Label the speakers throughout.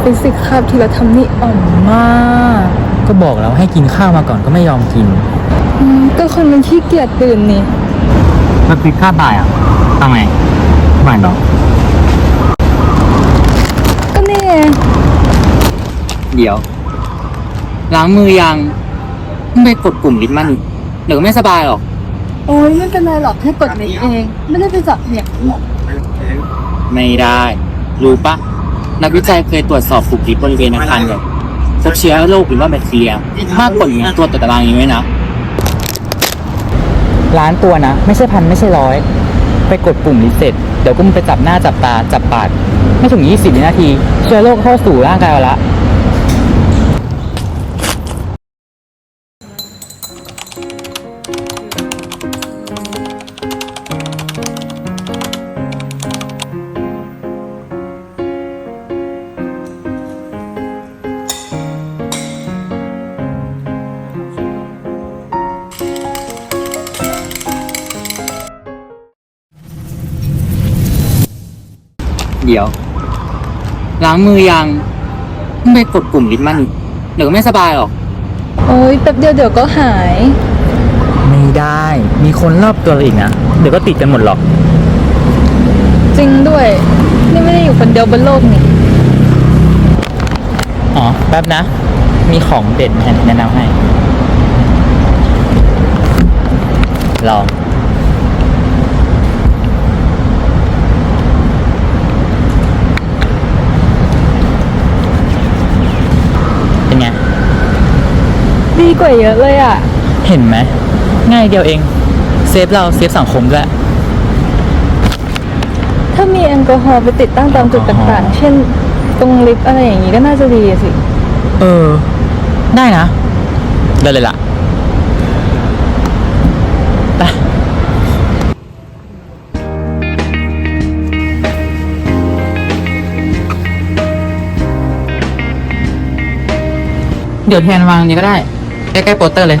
Speaker 1: ฟิสิกส์คาบที่เราทำนี่อ่อนมาก
Speaker 2: ก็บอกแล้วให้กินข้าวมาก่อนก็ไม่ยอมกิน
Speaker 1: ก็คนมันขี้เกียจตื่นนี่
Speaker 2: มันปิดค่าบ่ายอ่ะทำไมบ่ายเนาะ
Speaker 1: ก็นี่ไง
Speaker 2: เดี๋ยวล้างมือยังไปกดปุ่มลิฟต์มันเดี๋ยวก็ไม่สบายหรอก
Speaker 1: โอ้ยไม่เป็นไรหรอกแค่กดนิดเอง ไม่ได้ไปจับเหยียบหรอก
Speaker 2: ไม่ได้ รู้ปะนักวิจัยเคยตรวจสอบปุ่มลิฟต์บริเวณอาคารเลยพบเชื้อโรคหรือว่าแบคทีเรียมากกว่านี้ตัวต่อตารางนี้ไหมนะล้านตัวนะ ไม่ใช่พันไม่ใช่ร้อยไปกดปุ่มรีเซ็ตเดี๋ยวก็มึงไปจับหน้าจับตาจับปากไม่ถึง20 วินาทีเชื้อโรคเข้าสู่ร่างกายเราละเดี๋ยวล้างมือยังไปกดปุ่มลิฟต์มันเดี๋ยวก็ไม่สบายหรอก
Speaker 1: โอ้ยแป๊บเดียวเดี๋ยวก็หาย
Speaker 2: ไม่ได้ มีคนรอบตัวเราอีกนะ เดี๋ยวก็ติดกันหมดหรอก
Speaker 1: จริงด้วย นี่ไม่ได้อยู่คนเดียวบนโลกนี่
Speaker 2: อ๋อ แป๊บนะ มีของเด่นแนะนำให้ ลอง เป็นไง
Speaker 1: ดีกว่าเยอะเลยอ่ะ
Speaker 2: เห็นไหม ง่ายเดียวเอง เซฟเราเซฟสังคมด้วย
Speaker 1: ถ้ามีแอลกอฮอล์ไปติดตั้งตามจุดต่างๆ เช่น ตรงลิฟต์อะไรอย่างนี้ก็น่าจะดีสิ
Speaker 2: เออ ได้นะ ได้เลยล่ะ ไป เดี๋ยวแทนวางนี้ก็ได้ ใกล้ๆโปสเตอร์เลย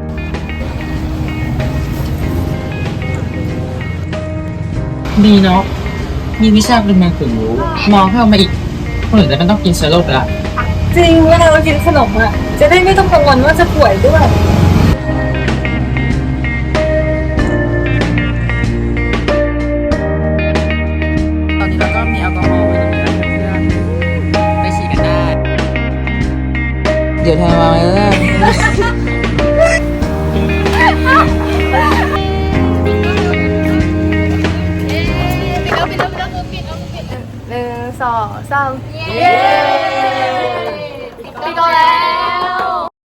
Speaker 2: ดีเนาะมีวิชาเป็นแมงถึงรู้ มองเข้ามาอีกคนอื่นจะไม่ต้องกินเชื้อโรคละ
Speaker 1: จริงเวลาเรากินขนมอ่ะ จะได้ไม่ต้องกังวลว่าจะป่วยด้วย
Speaker 2: ตอนนี้เราก็มีแอลกอฮอล์ไว้ตรงนี้แล้วเพื่อนไปฉีดกันได้ เดี๋ยวแทนมาเลย
Speaker 1: 1 2 3 เย้ปิดแล้ว